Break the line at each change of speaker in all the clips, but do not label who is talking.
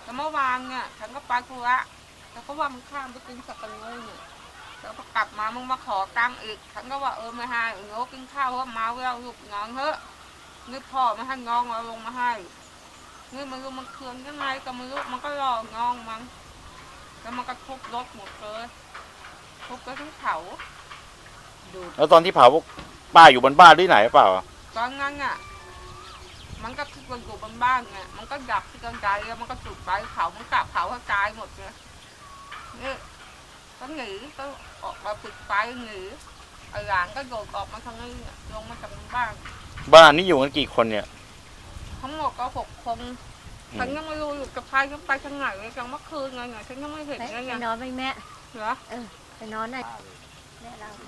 แต่เมื่อวานเนี่ยฉันก็ไปธุระแล้วก็ว่ามึงข้ามไปกินสับปะรดเนี่ยแล้วพอกลับมามึงมาขอตังค์อีกฉันก็ว่าไม่ให้โง่กินข้าวเพราะเมาแล้วลูกงอนเถอะนี่พ่อไม่ให้งองเอาลงมาให้นี่มันรู้มันเคืองยังไงก็ไม่รู้มันก็รององมันแล้วมันก็ทุบรถหมดเลยทุบไปทั้งเขา
แล้วตอนที่เผาป้าอยู่บนบ้านที่ไหนเปล่า
ตอนนั้นอ่ะมันก็คือมันอยู่บนบ้านไงมันก็ดับที่กลางใจแล้วมันก็จุดไปเขามันกลับเขาให้ตายหมดเลยนี่ก็หนีก็ออกมาปิดไฟหนีไอ้หลานก็โดดออกมาทางนี้ลงมาจากบ้าน
นี้อยู่กันกี่คนเนี่ย
ทั้งหมดก็6 คนฉันยังไม่รู้อยู่กับใครฉันไปทางไหนเลยจังเมื่อคืนไงฉันยังไม่เห็นไง
ไปนอนไหมแม่
เหรอ
ไปนอนหน่อยแม่เรา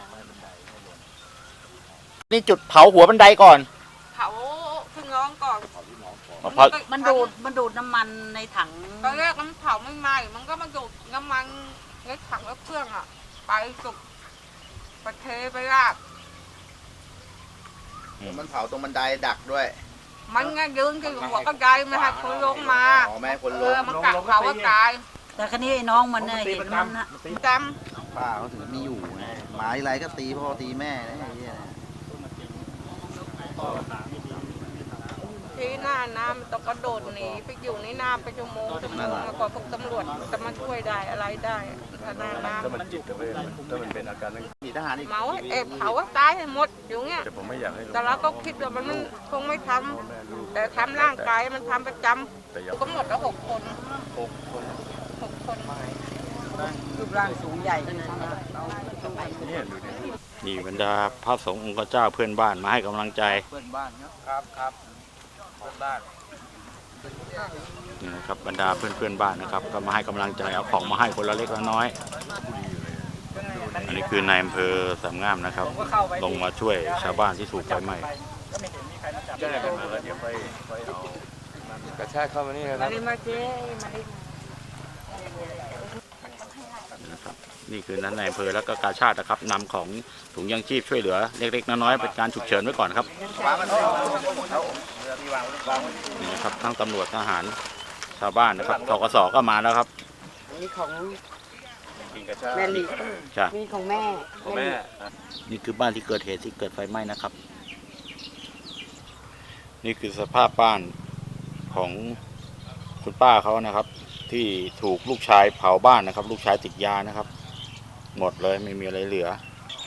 นี่จุดเผาหัวบันไดก่อน
เผาพี่น้องก่อน
มันดูดน้ำมันในถัง
ตอนแรกมันเผาไม่ไหม้มันก็มาดูดน้ำมันในถังแล้วเครื่องอ่ะไปสุกประเทไปลาก
มันเผาตรงบันไดดักด้วย
มันไงยืนอยู่หัวก็ไดไม่ให้คนลงมา
แม่คนลง
มันกัดเขาว่าตาย
แต่ครั้นี้ไอ้น้องมันเนี่ยเห็นมันนะ
จ
ป้าเขาถึงมีอยู่ไงหมาอะไรก็ตีพ่อตีแม่
ที่หน้าน้ำต้องกระโดดหนีไปอยู่ในน้ำไปชั่วโมงแล้วก็พวกตำรวจจะมาช่วยได้อะไรได้หน้าน้ำ
ถ้ามันจิตเวทถ้ามันเป็นอาการนั้น
มีทหารอีก
เมาเผาว่าตายให้หมดอยู่เงี้ย
แต่ผมไม่อยากให้
แต่เราก็คิดว่ามันคงไม่ทำแต่ทำร่างกายมันทำประจำก็หมดแล้ว6 คน6 คน
รูปร่างสูงใหญ่
นี่บรรดาพระสงฆ์องค์เจ้าเพื่อนบ้านมาให้กำลังใจ
เพื่อนบ้านครับเพื่อนบ้าน
นี่นะครับบรรดาเพื่อนบ้านนะครับก็มาให้กำลังใจเอาของมาให้คนละเล็กละน้อยอันนี้คือนายอำเภอสามงามนะครับลงมาช่วยชาวบ้านที่ถูกไฟไหม้
แจ้งกันมาแล้วเดี๋ยวไปเอากระชากเข้ามานี่นะครับ
นี่คือนั้นในอำเภอแล้วก็กาชาตินะครับนำของถุงยังชีพช่วยเหลือเล็กๆน้อยๆเป็นการฉุกเฉินไว้ก่อนครับนี่นะครับทั้งตำรวจทหารชาวบ้านนะครับธกสก็มาแล้วครับ
มีของแม่ลีมีของแม่
นี่คือบ้านที่เกิดเหตุที่เกิดไฟไหม้นะครับนี่คือสภาพบ้านของคุณป้าเขานะครับที่ถูกลูกชายเผาบ้านนะครับลูกชายติดยานะครับหมดเลยไม่มีอะไรเหลือ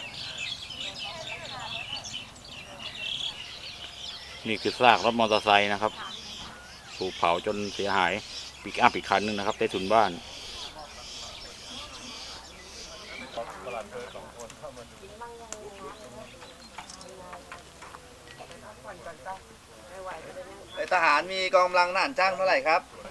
นี่คือซากรถมอเตอร์ไซค์นะครับถูกเผาจนเสียหายปิกอัพอีกคันนึงนะครับใต้ถุนบ้าน
ทหารมีกองกำลังทหารจ้างเท่าไหร่ครับ